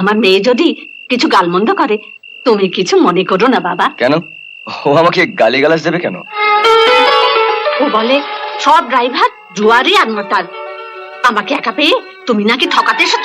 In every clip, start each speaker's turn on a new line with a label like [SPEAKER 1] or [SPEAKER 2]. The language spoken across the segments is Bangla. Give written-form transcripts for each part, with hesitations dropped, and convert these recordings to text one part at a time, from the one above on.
[SPEAKER 1] আমার মেয়ে যদি কিছু গালমন্দ করে তুমি কিছু মনে করো না বাবা।
[SPEAKER 2] কেন? ও আমাকে গালিগালাজ দেবে কেন?
[SPEAKER 1] ও বলে সব ড্রাইভার জুয়ারি আর মোটার। আমাকে একা পেয়ে তুমি নাকি ঠকাতে এসেছো।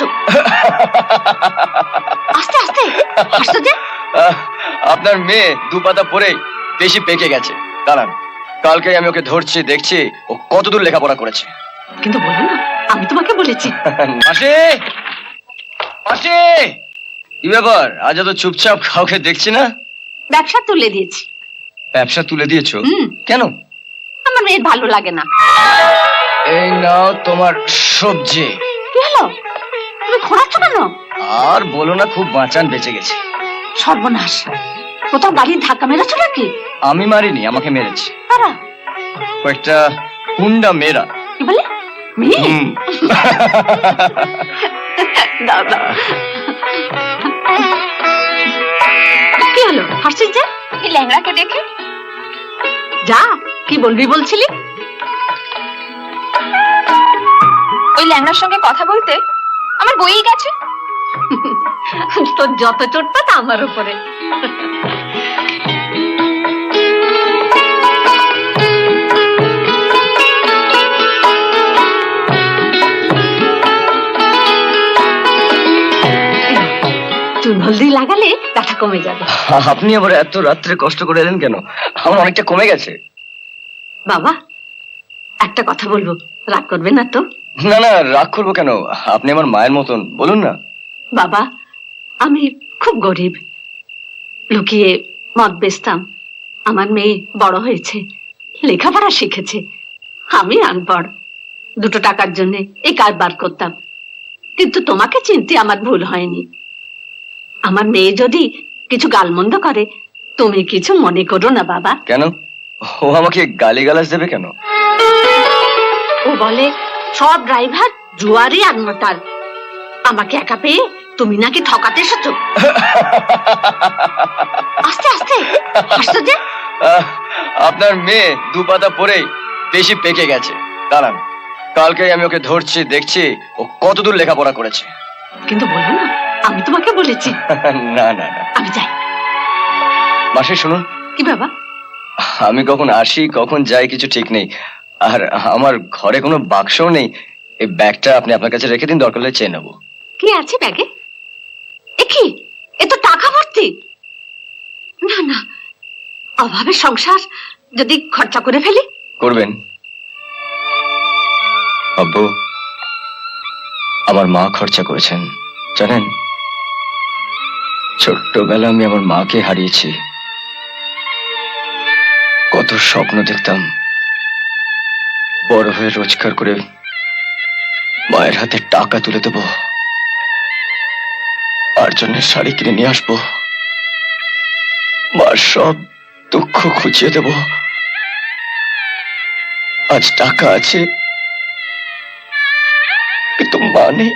[SPEAKER 1] আস্তে আস্তে হাসতে যে।
[SPEAKER 2] আপনার মেয়ে দুপাতা পরে বেশি পেকে গেছে। দাঁড়ান, কালকে আমি ওকে ধরছি, দেখছি ও কতদূর লেখাপড়া করেছে।
[SPEAKER 1] কিন্তু বলো না আমি তোমাকে বলেছি।
[SPEAKER 2] মাসি, মাসি, কি ব্যাপার আজ এত চুপচাপ? কাউকে দেখছি না।
[SPEAKER 1] ব্যবসা তুলে দিয়েছি।
[SPEAKER 2] ব্যবসা তুলে দিয়েছো? কেন?
[SPEAKER 1] আমার মেয়ের ভালো লাগে না।
[SPEAKER 2] এই নাও তোমার সবজি।
[SPEAKER 1] কি হলো, তুমি খোঁড়াচ্ছ কেন?
[SPEAKER 2] আর বলো না, খুব বাঁচান বেঁচে গেছে।
[SPEAKER 1] সর্বনাশ, কোথাও গাড়ির ধাক্কা মেরেছো নাকি?
[SPEAKER 2] আমি মারিনি, আমাকে মেরেছে
[SPEAKER 1] তারা
[SPEAKER 2] কয়েকটা হুন্ডা মেয়েরা।
[SPEAKER 1] কি বলে? মেয়ে? দাও দাও। কি হলো হাসছিস যে?
[SPEAKER 3] এই ল্যাংড়াকে দেখে।
[SPEAKER 1] যা, কি বলবি বলছিলি?
[SPEAKER 3] ওই ল্যাংড়ার সঙ্গে কথা বলতে আমার বইই গেছে।
[SPEAKER 1] তোর যত চোটটা তা আমার উপরে। চুন হলদি লাগালে ব্যথা কমে যাবে।
[SPEAKER 2] আপনি আবার এত রাত্রে কষ্ট করে এলেন কেন? আমার অনেকটা কমে গেছে।
[SPEAKER 1] বাবা, একটা কথা বলবো, রাগ করবে না তো?
[SPEAKER 2] না না, রাগ করবো কেন? আপনি আমার মায়ের মতন, বলুন না।
[SPEAKER 1] বাবা, আমি খুব গরিব, লুকিয়ে মদ বেচতাম। আমার মেয়ে বড় হয়েছে, লেখাপড়া শিখেছে। আমি আনপড়, দুটো টাকার জন্য এই কারবার করতাম। কিন্তু তোমাকে চিনতে আমার ভুল হয়নি। আমার মেয়ে যদি কিছু গালমন্দ করে তুমি কিছু মনে করো না বাবা।
[SPEAKER 2] কেন? ও আমাকে গালিগালাজ দেবে কেন?
[SPEAKER 1] ও বলে সব ড্রাইভার জুয়ারি আর মোটার। আমাকে একা পেয়ে তুমি নাকি ঠকাতে এসেছো। আস্তে আস্তে হাসতে যে।
[SPEAKER 2] আপনার মেয়ে দুপাতা পরে বেশি পেকে গেছে। দাঁড়ান, কালকে আমি ওকে ধরছি, দেখছি ও কতদূর লেখাপড়া করেছে।
[SPEAKER 1] কিন্তু বলো না আমি তোমাকে বলেছি।
[SPEAKER 2] না না না,
[SPEAKER 1] আমি যাই।
[SPEAKER 2] মাসি শুনুন।
[SPEAKER 1] কি বাবা?
[SPEAKER 2] আমি কখন আসি কখন যাই কিছু ঠিক নেই। আর আমার ঘরে কোনো বাক্সও নেই। এই ব্যাগটা আপনি আপনার কাছে রেখে দিন, দরকার হলে চেয়ে নেবো।
[SPEAKER 1] কি আছে ব্যাগে? এ কি, এ তো টাকা ভর্তি। না না, অভাবের সংসার, যদি খরচা করে ফেলি।
[SPEAKER 2] করবেন আব্বু, আমার মা খরচা করেছেন জানেন। ছোট্টবেলা আমি আমার মাকে হারিয়েছি। কত স্বপ্ন দেখতাম বড় হয়ে রোজগার করে মায়ের হাতে টাকা তুলে দেব, আর জন্য শাড়ি কিনে নিয়ে আসবো, মার সব দুঃখ খুঁজিয়ে দেব। আজ টাকা আছে কিন্তু মা নেই।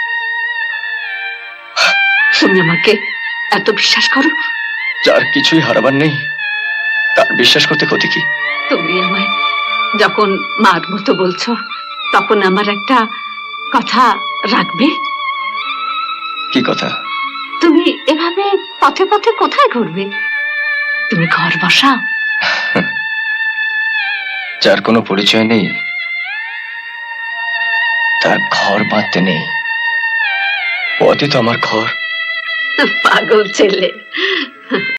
[SPEAKER 1] তুমি আমাকে এত বিশ্বাস করো?
[SPEAKER 2] যার কিছুই হারাবার নেই তার বিশ্বাস করতে ক্ষতি কি?
[SPEAKER 1] তুমি আমায় যখন মার মতো বলছো, তখন আমার একটা কথা রাখবে?
[SPEAKER 2] কি কথা?
[SPEAKER 1] তুমি এভাবে পথে পথে কোথায় ঘুরবে? তুমি ঘর বসাও।
[SPEAKER 2] যার কোনো পরিচয় নেই তার ঘর বাঁধতে নেই। পথই তো আমার ঘর।
[SPEAKER 1] পাগল ছেলে।